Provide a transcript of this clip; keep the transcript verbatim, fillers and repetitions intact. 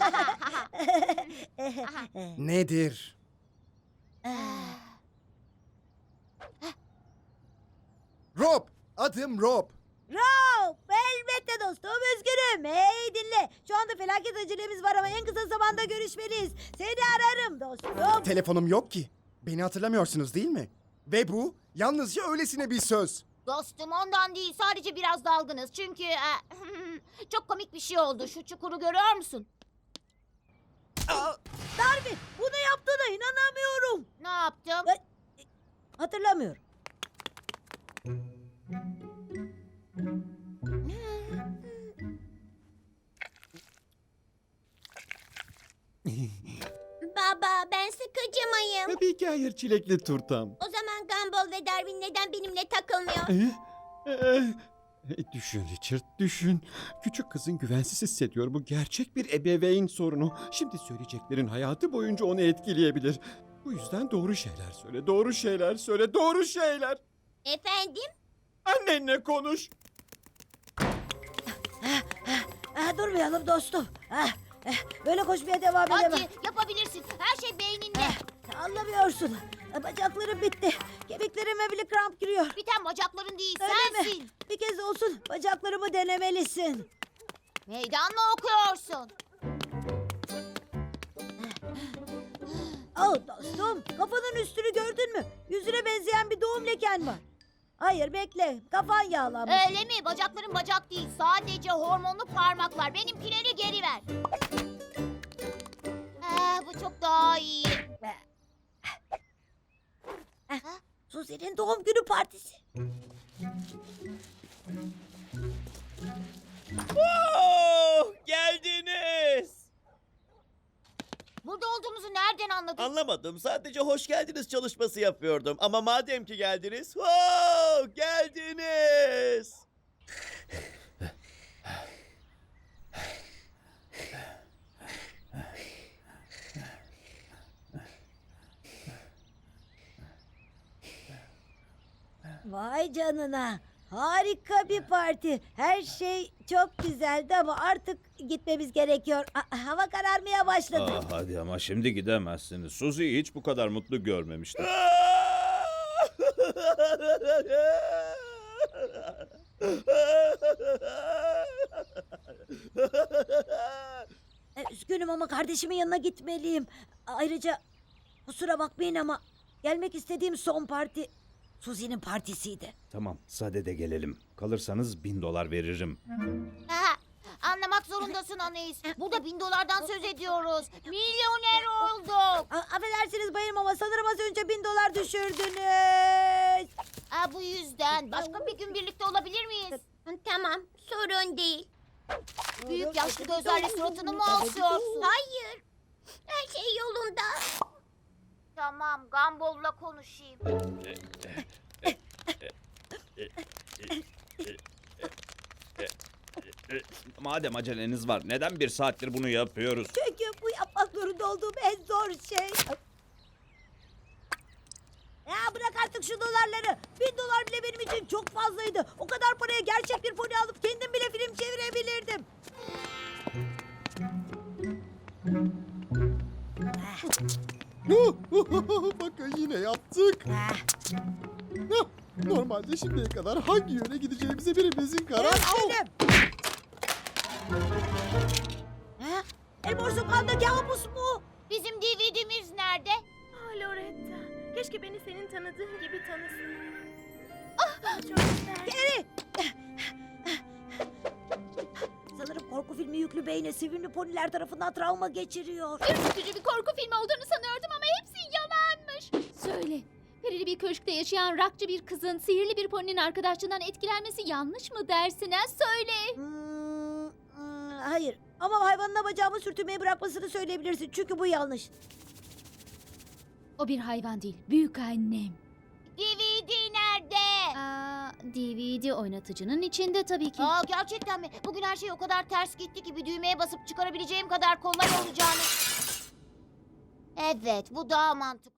Nedir? Rob! Adım Rob. Rob, elbette dostum, üzgünüm. Hey dinle, şu anda felaket acelemiz var ama en kısa zamanda görüşmeliyiz. Seni ararım dostum. Telefonum yok ki. Beni hatırlamıyorsunuz değil mi? Ve bu yalnızca öylesine bir söz. Dostum ondan değil, sadece biraz dalgınız. Çünkü e, çok komik bir şey oldu. Şu çukuru görüyor musun? Darwin, bunu yaptığına inanamıyorum. Ne yaptım? Ben- Hatırlamıyorum. Baba, ben sıkıcı mıyım? Tabii ki hayır çilekli turtam. O zaman Gumball ve Darwin neden benimle takılmıyor? Ee, ee, düşün Richard, düşün. Küçük kızın güvensiz hissediyor. Bu gerçek bir ebeveyn sorunu. Şimdi söyleyeceklerin hayatı boyunca onu etkileyebilir. Bu yüzden doğru şeyler söyle, doğru şeyler söyle, doğru şeyler. Efendim? Annenle konuş. Ah, durmayalım dostum. Ah, eh, böyle koşmaya devam edemem. Hadi yapabilirsin. Her şey beyninde. Eh, Anlamıyorsun. Ah, Bacaklarım bitti. Kemiklerime bile kramp giriyor. Biten bacakların değil, Öyle mi? sensin. Bir kez olsun bacaklarımı denemelisin. Meydan mı okuyorsun? Oh dostum, kafanın üstünü gördün mü? Yüzüne benzeyen bir doğum leken var. Hayır bekle, kafan yağlanmış. Öyle mi? Bacakların bacak değil. Sadece hormonlu parmaklar. Benimkileri geri ver. Ee, bu çok daha iyi. Suzi'nin doğum günü partisi. Oh, geldiniz. Burada olduğumuzu nereden anladın? Anlamadım. Sadece hoş geldiniz çalışması yapıyordum. Ama madem ki geldiniz, oh, geldiniz. Vay canına. Harika bir parti. Her şey çok güzeldi ama artık gitmemiz gerekiyor. Ha- hava kararmaya başladı. Ah, hadi ama şimdi gidemezsiniz. Suzi'yi hiç bu kadar mutlu görmemiştim. E, Üzgünüm ama kardeşimin yanına gitmeliyim. Ayrıca kusura bakmayın ama gelmek istediğim son parti Suzi'nin partisiydi. Tamam, sadede gelelim. Kalırsanız bin dolar veririm. Ha, anlamak zorundasın Anais. Burada bin dolardan söz ediyoruz. Milyoner olduk. A- affedersiniz bayım ama sanırım az önce bin dolar düşürdünüz. Ha, bu yüzden başka bir gün birlikte olabilir miyiz? Tamam, sorun değil. Büyük yaşlı gözlerle suratını mı asıyorsun? Hayır, her şey yolunda. Tamam, Gumball'la konuşayım. Madem aceleniz var, neden bir saattir bunu yapıyoruz? Çünkü bu yapmak zorunda olduğum en zor şey. Ya bırak artık şu dolarları. Bin dolar bile benim için çok fazlaydı. O kadar paraya gerçek bir pony alıp kendim bile film çevirebilirdim. Bakın yine yaptık. Ah, Hah, Normalde şimdiye kadar hangi yöne gideceğimize birimizin karar... Au! Üzgünüm. Ha? Elmor Sokağı'nda kabus mu? Bizim D V D'miz nerede? Ah Loretta, keşke beni senin tanıdığın gibi tanısın. Ah, çok güzel. Geri. Sanırım korku filmi yüklü beyne sevimli poniler tarafından travma geçiriyor. Ürkütücü bir korku filmi olduğunu sanıyordum ama hepsi yalanmış. Söyle, perili bir köşkte yaşayan rakçı bir kızın sihirli bir poninin arkadaşlığından etkilenmesi yanlış mı dersin ha? Söyle. Hmm, hmm, hayır ama hayvanına bacağımı sürtünmeyi bırakmasını söyleyebilirsin çünkü bu yanlış. O bir hayvan değil, büyük annem. D V D nerede? Aa, D V D oynatıcının içinde tabii ki. Aa, gerçekten mi? Bugün her şey o kadar ters gitti ki bir düğmeye basıp çıkarabileceğim kadar kolay olacağını... Evet, bu daha mantıklı.